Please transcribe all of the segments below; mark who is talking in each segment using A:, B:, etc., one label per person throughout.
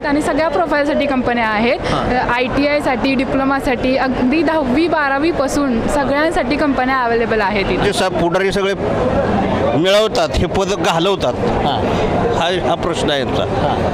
A: आणि सगळ्या प्रोफाईलसाठी कंपन्या आहेत. ITI डिप्लोमासाठी अगदी 10वी 12वी पासून सगळ्यांसाठी कंपन्या अवेलेबल आहेत इथे.
B: जे पुढारी सगळे मिळवतात हे पद घालवतात हा प्रश्न आहे यांचा.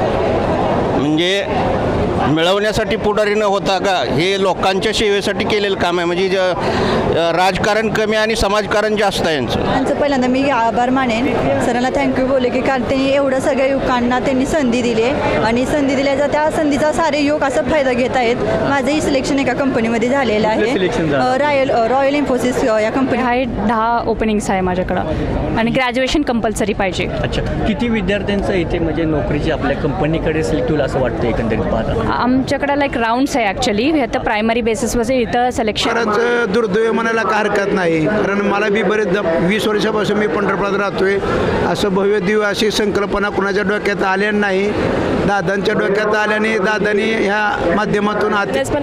B: म्हणजे मिळवण्यासाठी पुढारी न होता का हे लोकांच्या सेवेसाठी केलेलं काम आहे. म्हणजे राजकारण कमी आणि समाजकारण जास्त आहे यांचं.
C: त्यांचं पहिल्यांदा मी आभार मानेन, सरांना थँक्यू बोले की कारण त्यांनी एवढं सगळ्या युवकांना त्यांनी संधी दिली आहे आणि संधी दिल्याचा त्या संधीचा सारे युवक असा फायदा घेत आहेत. माझंही सिलेक्शन एका कंपनीमध्ये झालेलं आहे. रॉयल इन्फोसिस या कंपनी
D: आहे. 10 ओपनिंग्स आहे माझ्याकडं आणि ग्रॅज्युएशन कंपल्सरी पाहिजे.
E: अच्छा, किती विद्यार्थ्यांचं इथे म्हणजे नोकरीची आपल्या कंपनीकडे सिलेक्ट होईल असं वाटतं एकंदरीत पाहता?
D: आमच्याकडं लाईक राऊंड्स आहे ॲक्च्युली. आता प्रायमरी बेसिसवर इथं सिलेक्शन.
F: खरंच दुर्दैव म्हणायला काय हरकत नाही, कारण मला बी बरेच 20 वर्षापासून मी पंढरपुरात राहतोय. असं भव्य दिव्य अशी संकल्पना कुणाच्या डोक्यात आल्या नाही. दादांच्या डोक्यात आल्याने दादांनी ह्या माध्यमातून
G: पण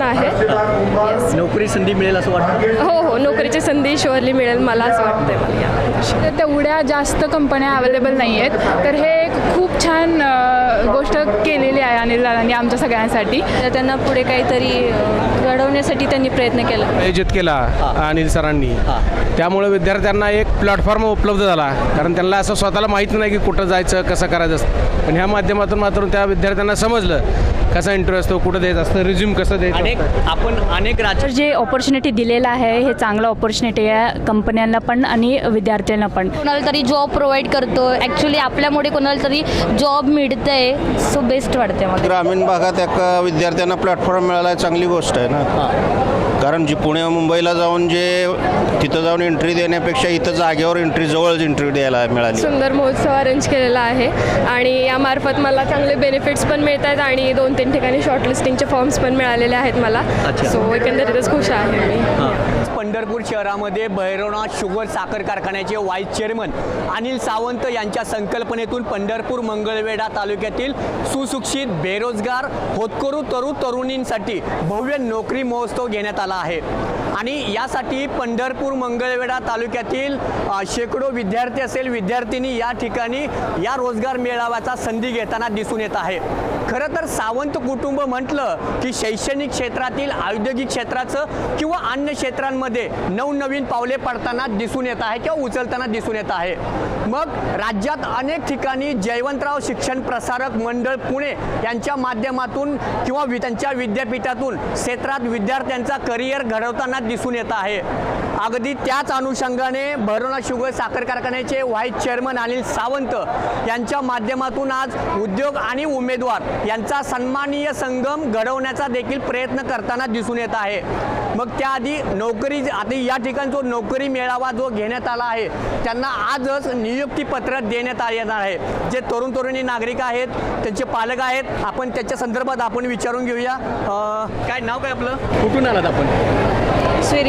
G: आहे.
E: नोकरी संधी मिळेल असं वाटतं?
G: हो, नोकरीची संधी शुअरली मिळेल मला असं वाटतंय.
A: तेवढ्या जास्त कंपन्या अवेलेबल नाही आहेत, तर हे एक खूप छान गोष्ट केलेली आहे अनिल दादांनी आमच्या सगळ्यांसाठी.
G: त्यांना पुढे काहीतरी घडवण्यासाठी त्यांनी प्रयत्न केला,
H: आयोजित केला अनिल सरांनी. त्यामुळे विद्यार्थ्यांना एक प्लॅटफॉर्म उपलब्ध झाला, कारण त्यांना असं स्वतःला माहीत नाही की कुठं जायचं कसं करायचं असतं. पण ह्या माध्यमातून मात्र त्या विद्यार्थ्यांना समजलं कसा इंटरव्ह्यू असतो, कुठं द्यायचं असतं, रिझ्यूम कसं द्यायचं.
E: आपण अनेक
D: तर जे ऑपॉर्च्युनिटी दिलेलं आहे हे चांगलं ऑपॉर्च्युनिटी आहे कंपन्यांना पण आणि विद्यार्थ्यांना पण.
I: कोणाला तरी जॉब प्रोव्हाइड करतो, ॲक्च्युली आपल्यामुळे कोणाला तरी जॉब मिळतंय, सो बेस्ट वाटते मला.
B: ग्रामीण भागात एका विद्यार्थ्यांना प्लॅटफॉर्म मिळाला आहे, चांगली गोष्ट आहे ना. कारण जी पुणे मुंबईला जाऊन जे तिथं जाऊन एंट्री देण्यापेक्षा इथं जागेवर जवळच एंट्री द्यायला मिळाली.
G: सुंदर महोत्सव अरेंज केलेला आहे आणि यामार्फत मला चांगले बेनिफिट्स पण मिळत आहेत आणि 2-3 ठिकाणी शॉर्टलिस्टिंगचे फॉर्म्स पण मिळालेले आहेत मला. सो एकंदरीतच खुश आहे मी.
E: पंढरपूर शहरामध्ये भैरवनाथ शुगर साखर कारखान्याचे व्हाईस चेअरमन अनिल सावंत यांच्या संकल्पनेतून पंढरपूर मंगळवेढा तालुक्यातील सुशिक्षित बेरोजगार होतकरू तरुणींसाठी भव्य नोकरी महोत्सव घेण्यात आला आहे. आणि यासाठी पंढरपूर मंगळवेढा तालुक्यातील शेकडो विद्यार्थी असेल विद्यार्थिनी या ठिकाणी या रोजगार मेळाव्याचा संधी घेताना दिसून येत आहे. खरं तर सावंत कुटुंब म्हटलं की शैक्षणिक क्षेत्रातील औद्योगिक क्षेत्राचं किंवा अन्य क्षेत्रांमध्ये नवनवीन पावले पडताना दिसून येत आहे किंवा उचलताना दिसून येत आहे. मग राज्यात अनेक ठिकाणी जयवंतराव शिक्षण प्रसारक मंडळ पुणे यांच्या माध्यमातून किंवा त्यांच्या विद्यापीठातून क्षेत्रात विद्यार्थ्यांचा करिअर घडवताना दिसून येत आहे. अगदी त्याच अनुषंगाने भैरवनाथ शुगर साखर कारखान्याचे व्हाईस चेअरमन अनिल सावंत यांच्या माध्यमातून आज उद्योग आणि उमेदवार यांचा सन्माननीय संगम घडवण्याचा देखील प्रयत्न करताना दिसून येत आहे. मग त्याआधी नोकरी आता या ठिकाणी जो नोकरी मेळावा जो घेण्यात आला आहे त्यांना आजच नियुक्तीपत्र देण्यात येणार आहे. जे तरुणी नागरिक आहेत त्यांचे पालक आहेत, आपण त्याच्या संदर्भात आपण विचारून घेऊया. काय नाव काय आपलं, कुठून आलात आपण?
G: स्वेरी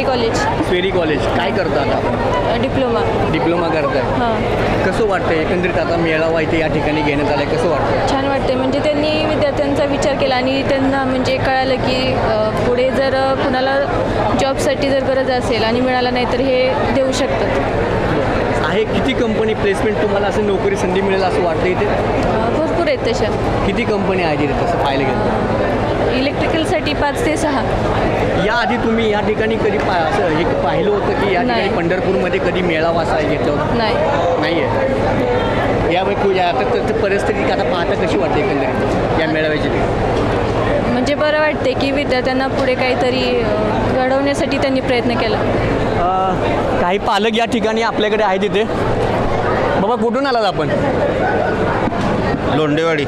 G: कॉलेज.
E: काय करता आता आपण? डिप्लोमा करताय. कसं वाटतंय एकंदरीत आता मेळावा इथे या ठिकाणी घेण्यात आलाय, कसं वाटतं?
G: छान वाटते. म्हणजे त्यांनी विद्यार्थ्यांचा विचार केला आणि त्यांना म्हणजे कळालं की पुढे जर कुणाला जॉबसाठी जर गरज असेल आणि मिळाला नाही तर हे देऊ शकतात.
E: आहे किती कंपनी प्लेसमेंट तुम्हाला असं नोकरी संधी मिळेल असं वाटतं इथे?
G: भरपूर आहेत तशा.
E: किती कंपनी आहेत इथे तसं पाहिलं गेलं?
G: इलेक्ट्रिकलसाठी 5 ते 6.
E: याआधी तुम्ही या ठिकाणी कधी असं एक पाहिलं होतं की या ठिकाणी पंढरपूरमध्ये कधी मेळावा असा घेतला होता? नाही आहे. यावेळी आता परिस्थिती आता पाहता कशी वाटते एकंदरीत या मेळाव्याची?
G: म्हणजे बरं वाटते की विद्यार्थ्यांना पुढे काहीतरी घडवण्यासाठी त्यांनी प्रयत्न केला.
E: काही पालक या ठिकाणी आपल्याकडे आहेत तिथे. बाबा कुठून आलात आपण?
B: लोंडेवाडी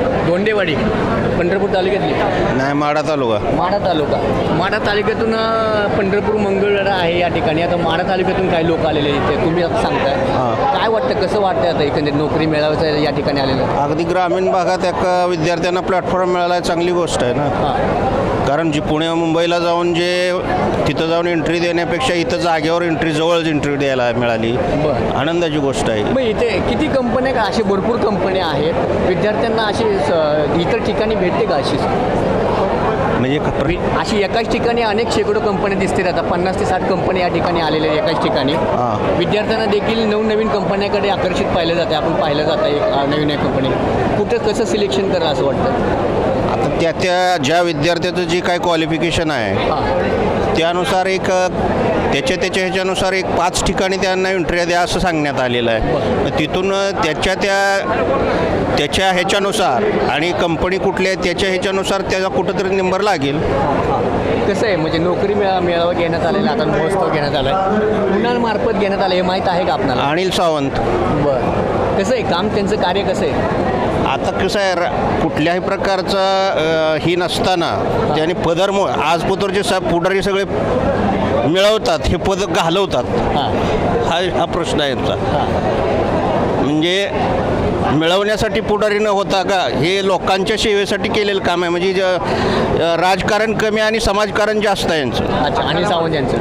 E: पंढरपूर तालुक्यातली?
B: नाही, माढा तालुका.
E: माढा तालुक्यातून पंढरपूर मंगळवेढा आहे या ठिकाणी. आता माढा तालुक्यातून काही लोक आलेले इथे, तुम्ही आता सांगताय काय वाटतं, कसं वाटतं आता एकंदरीत नोकरी मेळाव्याचं या ठिकाणी आलेलं?
B: अगदी ग्रामीण भागात एका विद्यार्थ्यांना प्लॅटफॉर्म मिळाला आहे, चांगली गोष्ट आहे ना. कारण जी पुणे मुंबईला जाऊन जे तिथं जाऊन एंट्री देण्यापेक्षा इथं जागेवर जवळच एंट्री द्यायला मिळाली, आनंदाची गोष्ट आहे.
E: मग इथे किती कंपन्या, अशी भरपूर कंपन्या आहेत, विद्यार्थ्यांना अशी इतर ठिकाणी भेटते का अशी?
B: म्हणजे
E: अशी एकाच ठिकाणी अनेक शेकडो कंपन्या दिसतील. आता 50 ते 60 कंपन्या या ठिकाणी आलेल्या आहेत एकाच ठिकाणी. विद्यार्थ्यांना देखील नवनवीन कंपन्याकडे आकर्षित पाहिलं जातं. आपण पाहिलं जातं एक नवीन कंपनी कुठं कसं सिलेक्शन करा असं वाटतं?
B: त्या ज्या विद्यार्थ्याचं जे काय क्वालिफिकेशन आहे त्यानुसार त्याच्या ह्याच्यानुसार 5 ठिकाणी त्यांना इंटरव्ह्यू द्या असं सांगण्यात आलेलं आहे. तिथून त्याच्या ह्याच्यानुसार आणि कंपनी कुठली आहे त्याच्या ह्याच्यानुसार त्याचा कुठंतरी नंबर लागेल.
E: कसं आहे म्हणजे नोकरी मेळावा घेण्यात आलेला आता महोत्सव घेण्यात आला आहे, कुणामार्फत घेण्यात आलं हे माहीत आहे का आपल्याला?
B: अनिल सावंत.
E: बरं, कसं आहे काम, त्यांचं कार्य कसं आहे?
B: आता कसं आहे कुठल्याही प्रकारचं ही नसताना त्याने आज पुतरचे पुढारी सगळे मिळवतात, हे पद घालवतात. हा प्रश्न आहे यांचा. म्हणजे मिळवण्यासाठी पुढारी न होता का हे लोकांच्या सेवेसाठी केलेलं काम आहे. म्हणजे राजकारण कमी आणि समाजकारण जास्त आहे यांचं.
E: अच्छा, अनिल सावंत यांचं.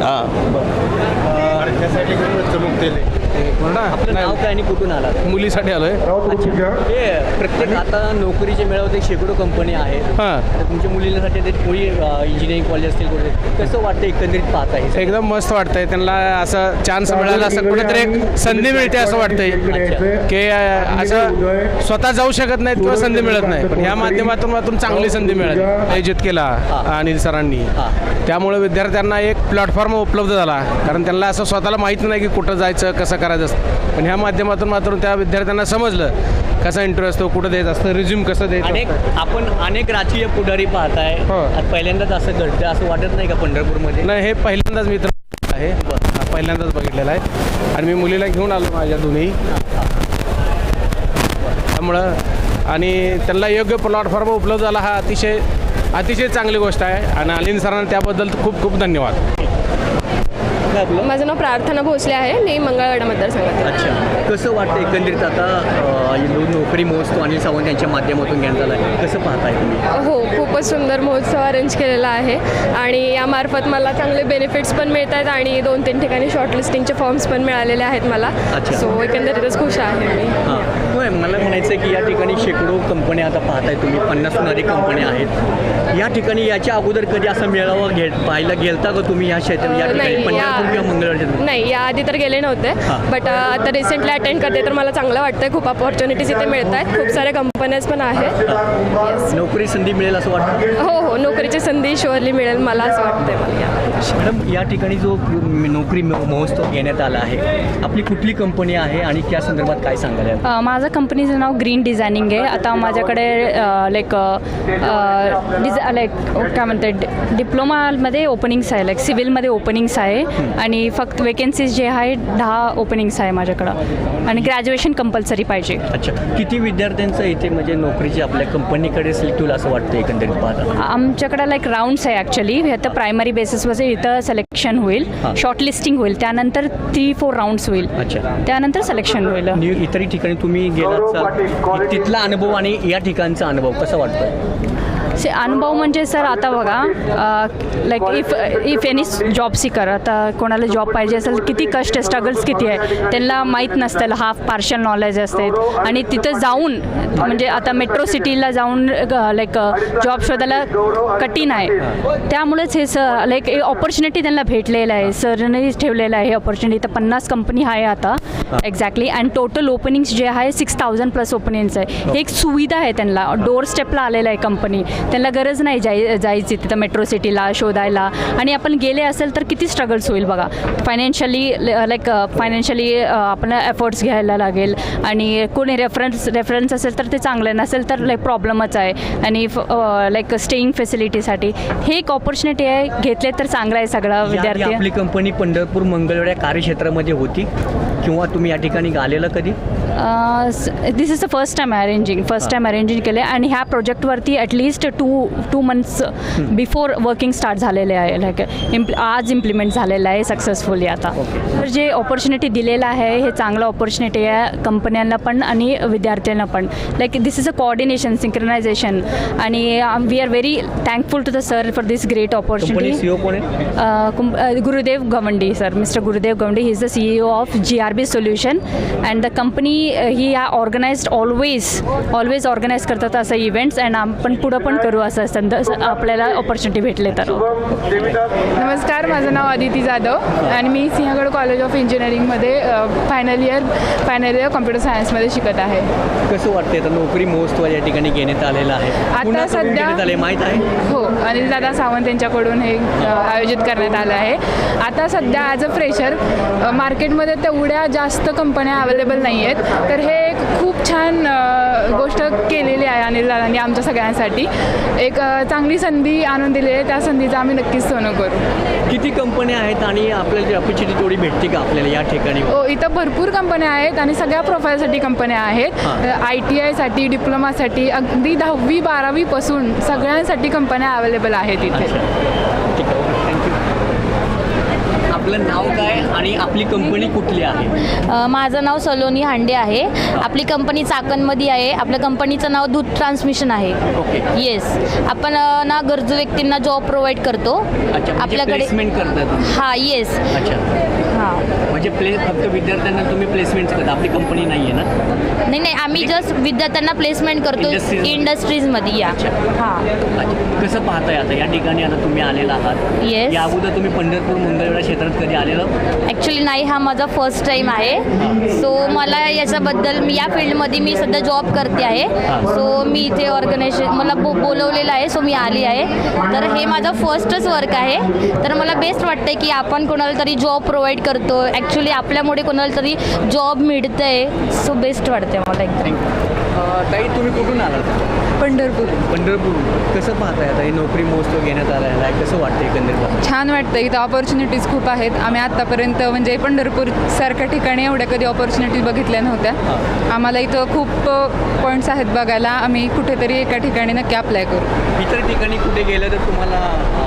E: आपलं नाव काय आणि कुठून आला?
H: मुलीसाठी आलोय.
E: हे प्रत्येक आता नोकरीचे मिळवते शेकडो कंपनी आहेत. तर तुमच्या मुलीसाठी ते कोणी इंजिनिअरिंग कॉलेज असतील कुठे, कसं वाटतं एकंदरीत पाहता आहे?
H: एकदम मस्त वाटतंय. त्यांना असं चान्स मिळाला, असं कुठेतरी एक संधी मिळते असं वाटतंय की असं स्वतः जाऊ शकत नाहीत किंवा संधी मिळत नाही, पण ह्या माध्यमातून चांगली संधी मिळाली. आयोजित केला अनिल सरांनी, त्यामुळे विद्यार्थ्यांना एक प्लॅटफॉर्म उपलब्ध झाला. कारण त्यांना असं स्वतःला माहीत नाही की कुठं जायचं, कसं करायचं असतं, पण ह्या माध्यमातून त्या विद्यार्थ्यांना समजलं कसा इंटरव्ह्यू असतो, कुठं द्यायचं असतं, रिझ्यूम कसं द्यायचं.
E: आपण अनेक राजकीय पुढारी पाहताय, पहिल्यांदाच असं घडतं असं वाटत नाही का पंढरपूरमध्ये?
H: नाही, हे पहिल्यांदाच मित्र आहे, पहिल्यांदाच बघितलेलं आहे. आणि मी मुलीला घेऊन आलो माझ्या दोन्ही, त्यामुळं आणि त्यांना योग्य प्लॅटफॉर्म उपलब्ध झाला हा अतिशय चांगली गोष्ट आहे. आणि अनिल सरांना त्याबद्दल खूप खूप धन्यवाद.
G: माझं नाव प्रार्थना भोसले आहे, मी मंगळवेढा मतदारसंघात.
E: अच्छा, कसं वाटतं एकंदरीत आता नोकरी महोत्सव अनिल सावंत यांच्या माध्यमातून घेण्यात आला आहे, कसं पाहताय तुम्ही?
G: हो, खूपच सुंदर महोत्सव अरेंज केलेला आहे आणि यामार्फत मला चांगले बेनिफिट्स पण मिळत आहेत आणि 2-3 ठिकाणी शॉर्टलिस्टिंगचे फॉर्म्स पण मिळालेले आहेत मला. सो एकंदरीतच खुश आहे मी.
E: होय, मला म्हणायचं आहे की या ठिकाणी शेकडो कंपन्या आता पाहताय तुम्ही, 50हून अधिक कंपन्या आहेत या ठिकाणी. याच्या अगोदर कधी असं मेळावा पाहायला गेलता का तुम्ही या क्षेत्रात, या ठिकाणी पंढरपूर किंवा मंगळवेढा?
G: नाही, याआधी तर गेले नव्हते, बट आता रिसेंटली अटेंड करते तर मला चांगलं वाटतंय. खूप अपॉर्च्युनिटीज इथे मिळत आहेत, खूप साऱ्या कंपन्याज पण आहेत.
E: नोकरी संधी मिळेल असं वाटतं?
G: हो, नोकरीची संधी शुअरली मिळेल मला असं वाटतंय मला.
E: मॅडम, या ठिकाणी जो नोकरी महोत्सव घेण्यात आला आहे, आपली कुठली कंपनी आहे आणि त्या संदर्भात काय सांगाल?
D: माझं कंपनीचं नाव ग्रीन डिझायनिंग आहे. आता माझ्याकडे काय म्हणते डिप्लोमामध्ये ओपनिंग्स आहे, सिव्हिलमध्ये ओपनिंग्स आहे आणि फक्त वेकेन्सीज जे आहे 10 ओपनिंग्स आहे माझ्याकडं आणि ग्रॅज्युएशन कंपल्सरी पाहिजे.
E: अच्छा, किती विद्यार्थ्यांचं इथे म्हणजे नोकरीची आपल्या कंपनीकडे सिलेक्ट होईल असं वाटतं एकंदरीत पाहता?
D: आमच्याकडे राऊंड्स आहे ॲक्च्युली. आता प्रायमरी बेसिसवर इथं सिलेक्शन होईल, शॉर्टलिस्टिंग होईल, त्यानंतर 3-4 राऊंड्स होईल. अच्छा, त्यानंतर सिलेक्शन होईल.
E: इतरही ठिकाणी तुम्ही गेलात, तिथला अनुभव आणि या ठिकाणचा अनुभव कसा वाटतो?
D: अनुभव म्हणजे सर आता बघा, इफ एनी जॉब सीकर, आता कोणाला जॉब पाहिजे असेल किती कष्ट, स्ट्रगल्स किती आहे त्यांना माहीत नसतं, हाफ पार्शल नॉलेज असते. आणि तिथं जाऊन म्हणजे आता मेट्रो सिटीला जाऊन जॉब शोधायला कठीण आहे. त्यामुळेच हे ऑपॉर्च्युनिटी त्यांना भेटलेलं आहे, सरने ठेवलेलं आहे हे ऑपॉर्च्युनिटी. तर 50 कंपनी आहे आता एक्झॅक्टली, आणि टोटल ओपनिंग्स जे आहे 6000+ ओपनिंग्स आहे. हे एक सुविधा आहे त्यांना, डोअर स्टेपला आलेलं आहे कंपनी. त्यांना गरज नाही जायची तिथं मेट्रो सिटीला शोधायला. आणि आपण गेले असेल तर किती स्ट्रगल्स होईल बघा. फायनान्शियली आपण एफर्ट्स घ्यायला लागेल आणि कोणी रेफरन्स असेल तर ते चांगलं नसेल तर प्रॉब्लेमच आहे. आणि स्टेईंग फॅसिलिटीसाठी हे एक ऑपॉर्च्युनिटी आहे, घेतले तर चांगलं आहे सगळं विद्यार्थी.
E: आपली कंपनी पंढरपूर मंगळवेढा कार्यक्षेत्रामध्ये होती किंवा तुम्ही या ठिकाणी आलेलं कधी?
D: This is the first time arranging केले आणि ह्या प्रोजेक्टवरती ॲटलिस्ट 2 मंथ्स बिफोर वर्किंग स्टार्ट झालेले आहे. आज इम्प्लिमेंट झालेलं आहे सक्सेसफुली. आता तर जे ऑपॉर्च्युनिटी दिलेलं आहे हे चांगलं ऑपॉर्च्युनिटी आहे कंपन्यांना पण आणि विद्यार्थ्यांना पण. This is a coordination, synchronization आणि we are very thankful to the sir for this great opportunity. Gurudev Gawandi sir, mister Gurudev Gawandi, he is the CEO of GRB Solution and the company he organized always organize करतात असं events and आपण पुढं पण करू असं आपल्याला opportunity भेटले तर.
A: नमस्कार, माझं नाव अदिती जाधव आणि मी सिंहगड कॉलेज ऑफ इंजिनिअरिंगमध्ये फायनल इयर कॉम्प्युटर सायन्समध्ये शिकत आहे.
E: कसं वाटते आता नोकरी महोत्सव या ठिकाणी घेण्यात आलेला आहे? पुन्हा करून
A: सध्या-
E: घेण्यात आले माहीत आहे?
A: हो, अनिल दादा सावंत यांच्याकडून हे आयोजित करण्यात आलं आहे. आता सध्या ॲज अ फ्रेशर मार्केटमध्ये तेवढ्या जास्त कंपन्या अवेलेबल नाही आहेत, तर हे एक खूप छान गोष्ट केलेली आहे अनिल दादांनी आमच्या सगळ्यांसाठी. एक चांगली संधी आणून दिली आहे, त्या संधीचं आम्ही नक्कीच सोनं करू.
E: किती कंपन्या आहेत आणि आपल्याला ऑपॉर्च्युनिटी थोडी भेटते का आपल्याला या ठिकाणी?
A: हो, इथं भरपूर कंपन्या आहेत आणि सगळ्या प्रोफाईलसाठी कंपन्या आहेत. ITIसाठी, डिप्लोमासाठी, अगदी 10वी 12वीपासून सगळ्यांसाठी कंपन्या अवेलेबल आहेत इथे.
E: ठीक आहे, थँक्यू. आपलं नाव काय आणि आपली कंपनी कुठली आहे?
I: माझं नाव सलोनी हांडे आहे. आपली कंपनी चाकणमध्ये आहे. आपल्या कंपनीचं नाव दूध ट्रान्समिशन आहे.
E: ओके.
I: येस, आपण ना गरजू व्यक्तींना जॉब प्रोव्हाइड करतो.
E: अच्छा,
I: आपल्याकडे
E: प्लेसमेंट करतात?
I: हां, येस.
E: अच्छा,
I: हां.
E: म्हणजे फक्त विद्यार्थ्यांना तुम्ही प्लेसमेंट करता, आपली कंपनी नाही आहे ना?
I: नाही, आम्ही जस्ट विद्यार्थ्यांना प्लेसमेंट करतो
E: Industries-
I: इंडस्ट्रीजमध्ये. या हां,
E: अच्छा, कसं पाहताय आता या ठिकाणी आता तुम्ही आलेला आहात?
I: येस.
E: या अगोदर तुम्ही पंढरपूर मंगळवेढा क्षेत्रात कधी आलेलं?
I: ॲक्च्युली नाही, हा माझा फर्स्ट टाईम आहे. सो मला याच्याबद्दल या फील्डमध्ये मी सध्या जॉब करते आहे. सो मी इथे ऑर्गनायझेशन मला बोलवलेलं आहे, सो मी आली आहे. तर हे माझं फर्स्टच वर्क आहे. तर मला बेस्ट वाटतं की आपण कोणाला तरी जॉब प्रोव्हाइड करतो. ॲक्च्युली आपल्यामुळे कोणाला तरी जॉब मिळतं आहे. सो बेस्ट वाटते मला एकदम.
E: ताई, तुम्ही कुठून आलात?
A: पंढरपूर.
E: पंढरपूर. कसं पाहताय आता हे नोकरी महोत्सव घेण्यात आलेला आहे? कसं वाटतं एकंदरीत?
A: छान वाटतं. इथं ऑपॉर्च्युनिटीज खूप आहेत. आम्ही आत्तापर्यंत म्हणजे पंढरपूरसारख्या ठिकाणी एवढ्या कधी ऑपॉर्च्युनिटीज बघितल्या नव्हत्या. आम्हाला इथं खूप पॉईंट्स आहेत बघायला. आम्ही कुठेतरी एका ठिकाणी नक्की अप्लाय करू.
E: इतर ठिकाणी कुठे गेलं तर तुम्हाला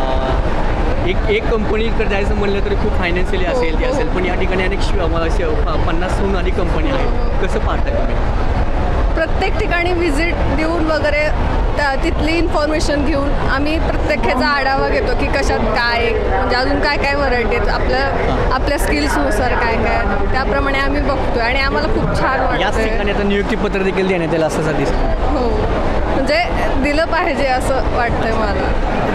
E: एक कंपनीकडे जायचं म्हणलं तरी खूप फायनान्शियली असेल ते असेल, पण या ठिकाणी अनेक 50हून अधिक कंपनी आहेत. कसं पाहता तुम्ही?
G: प्रत्येक ठिकाणी व्हिजिट देऊन वगैरे तिथली इन्फॉर्मेशन घेऊन आम्ही प्रत्येक ह्याचा आढावा घेतो की कशात काय म्हणजे अजून काय काय व्हरायटी आहेत आपल्या स्किल्सनुसार काय काय त्याप्रमाणे आम्ही बघतो आणि आम्हाला खूप छान
E: याच
G: वाटतं.
E: ठिकाणी आता नियुक्तीपत्र देखील देण्यात येईल असं दिसतं.
G: हो, म्हणजे दिलं पाहिजे असं वाटतंय मला.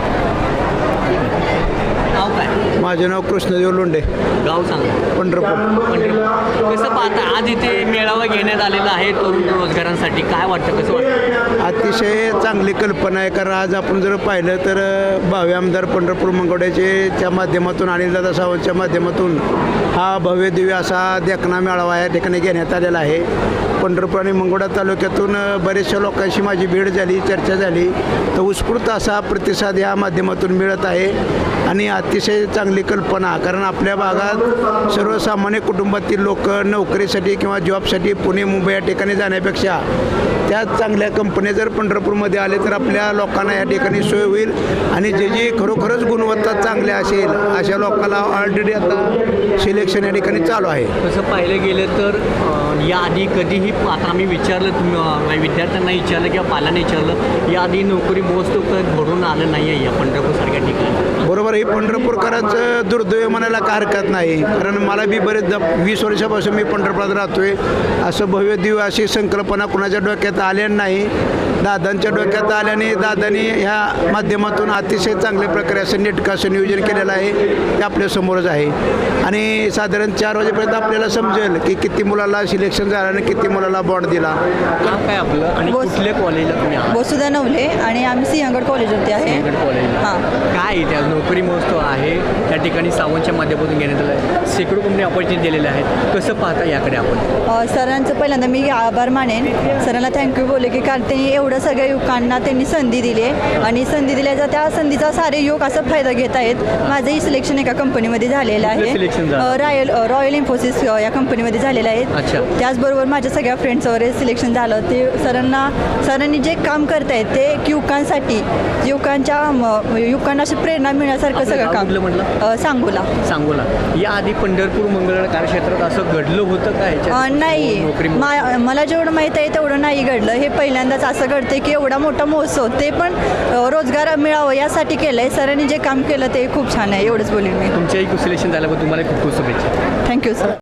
E: नाव काय?
F: माझे नाव कृष्णदेव लोंढे,
E: गाव सांगा.
F: पंढरपूर.
E: पंढरपूर. कसं पाहता आज इथे मेळावा घेण्यात आलेला आहे तरुण रोजगारांसाठी? काय वाटतं, कसं वाटतं?
F: अतिशय चांगली कल्पना आहे, कारण आज आपण जर पाहिलं तर भावी आमदार पंढरपूर मंगळवेढ्याच्या माध्यमातून अनिलदादा सावंतच्या माध्यमातून हा भव्य दिव्य असा देखना मेळावा या ठिकाणी घेण्यात आलेला आहे. पंढरपूर आणि मंगळवेढा तालुक्यातून बरेचशा लोकांशी माझी भेट झाली, चर्चा झाली, तर उत्स्फूर्त असा प्रतिसाद या माध्यमातून मिळत आहे आणि अतिशय चांगली कल्पना. कारण आपल्या भागात सर्वसामान्य कुटुंबातील लोक नोकरीसाठी किंवा जॉबसाठी पुणे मुंबई या ठिकाणी जाण्यापेक्षा त्या चांगल्या कंपन्या जर पंढरपूरमध्ये आले तर आपल्या लोकांना या ठिकाणी सोय होईल आणि जे खरोखरच गुणवत्ता चांगल्या असेल अशा लोकांना ऑलरेडी आता सिलेक्शन या ठिकाणी चालू आहे.
E: तसं पाहिलं गेलं तर याआधी कधीही आता आम्ही विचारलं, तुम्ही विद्यार्थ्यांना विचारलं किंवा पाल्याने विचारलं, याआधी नोकरी महोत्सव घडून आलं नाही आहे या पंढरपूरसारख्या ठिकाणी.
F: बरोबर, ही पंढरपूरकरांचं दुर्दैव म्हणायला काय हरकत नाही, कारण मला बी बरेच 20 वर्षापासून मी पंढरपुरात राहतोय. असं भव्य दिव्य अशी संकल्पना कुणाच्या डोक्यात आल्या नाही, दादांच्या डोक्यात आल्याने दादांनी ह्या माध्यमातून अतिशय चांगल्या प्रकारे असं नेटकं असं नियोजन केलेलं आहे. ते आपल्यासमोरच आहे आणि साधारण 4 वाजेपर्यंत आपल्याला समजेल की किती मुलाला सिलेक्शन झालं आणि किती मुलाला बॉन्ड दिला.
E: नाव काय आपलं आणि कुठल्या कॉलेजला तुम्ही आहात?
C: वसुधा नवले आणि आम्ही सिंहगड कॉलेजवरती आहे.
E: सिंहगड कॉलेजला.
C: हां.
E: काय इथे आज नोकरी महोत्सव आहे त्या ठिकाणी सावंतच्या माध्यमातून घेण्यात आलं आहे. शेकडो कंपनी ऑपॉर्च्युनिटी दिलेल्या आहेत. कसं पाहता याकडे आपण?
C: सरांचं पहिल्यांदा मी आभार मानेन. सरांना थँक्यू बोलले की कारण त्यांनी एवढं सगळ्या युवकांना त्यांनी संधी दिली आहे आणि संधी दिल्याचा त्या संधीचा सारे युवक असा फायदा घेत आहेत. माझंही सिलेक्शन एका कंपनीमध्ये झालेलं
E: सिलेक्शन
C: आहे.
E: झालं?
C: रॉयल इन्फोसिस या कंपनीमध्ये झालेलं
E: अच्छा.
C: आहे. त्याचबरोबर माझ्या सगळ्या फ्रेंड्स वगैरे सिलेक्शन झालं. ते सरांनी जे काम करत आहेत ते युवकांना अशी प्रेरणा मिळण्यासारखं
E: आपलं
C: सगळं
E: गाव कुठलं
C: काम.
E: म्हटलं?
C: सांगोला.
E: याआधी पंढरपूर मंगळवेढा कार्यक्षेत्रात असं घडलं होतं का ह्याच्यात?
C: नाही,
E: नोकरी
C: मला जेवढं माहीत आहे तेवढं नाही घडलं. हे पहिल्यांदाच असं घडते की एवढा मोठा महोत्सव ते पण रोजगार मिळावं यासाठी केलं आहे. सरांनी जे काम केलं ते खूप छान आहे, एवढंच बोलेन मी.
E: तुमच्याही सिलेक्शन झाल्याबद्दल तुम्हाला खूप खूप शुभेच्छा.
C: Thank you sir.